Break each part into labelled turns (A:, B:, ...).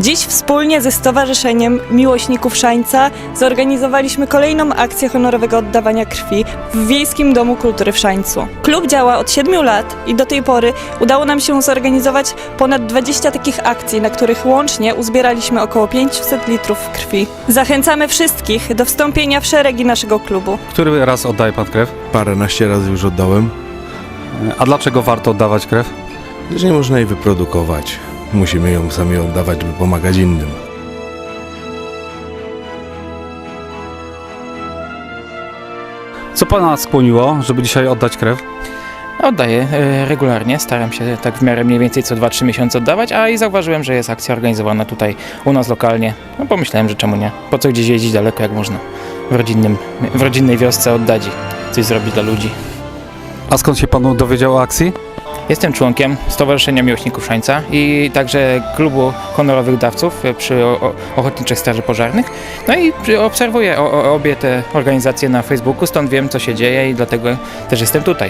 A: Dziś wspólnie ze Stowarzyszeniem Miłośników Szańca zorganizowaliśmy kolejną akcję honorowego oddawania krwi w Wiejskim Domu Kultury w Szańcu. Klub działa od 7 lat i do tej pory udało nam się zorganizować ponad 20 takich akcji, na których łącznie uzbieraliśmy około 500 litrów krwi. Zachęcamy wszystkich do wstąpienia w szeregi naszego klubu.
B: Który raz oddaje pan krew?
C: Paręnaście razy już oddałem.
B: A dlaczego warto oddawać krew?
C: Że nie można jej wyprodukować. Musimy ją sami oddawać, by pomagać innym.
B: Co pana skłoniło, żeby dzisiaj oddać krew?
D: Oddaję regularnie, staram się tak w miarę mniej więcej co 2-3 miesiące oddawać, a i zauważyłem, że jest akcja organizowana tutaj u nas lokalnie. No pomyślałem, że czemu nie? Po co gdzieś jeździć daleko, jak można w rodzinnej wiosce oddać i coś zrobić dla ludzi.
B: A skąd się pan dowiedział o akcji?
D: Jestem członkiem Stowarzyszenia Miłośników Szańca i także klubu honorowych dawców przy Ochotniczych Straży Pożarnych. No i obserwuję obie te organizacje na Facebooku, stąd wiem, co się dzieje i dlatego też jestem tutaj.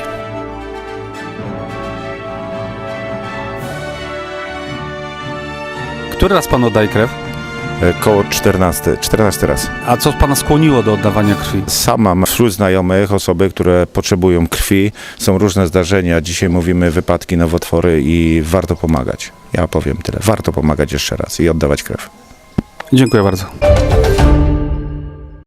B: Który raz pan oddaje krew?
E: Koło 14 raz.
B: A co pana skłoniło do oddawania krwi?
E: Sam mam wśród znajomych osoby, które potrzebują krwi. Są różne zdarzenia. Dzisiaj mówimy wypadki, nowotwory i warto pomagać. Ja powiem tyle. Warto pomagać jeszcze raz i oddawać krew.
B: Dziękuję bardzo.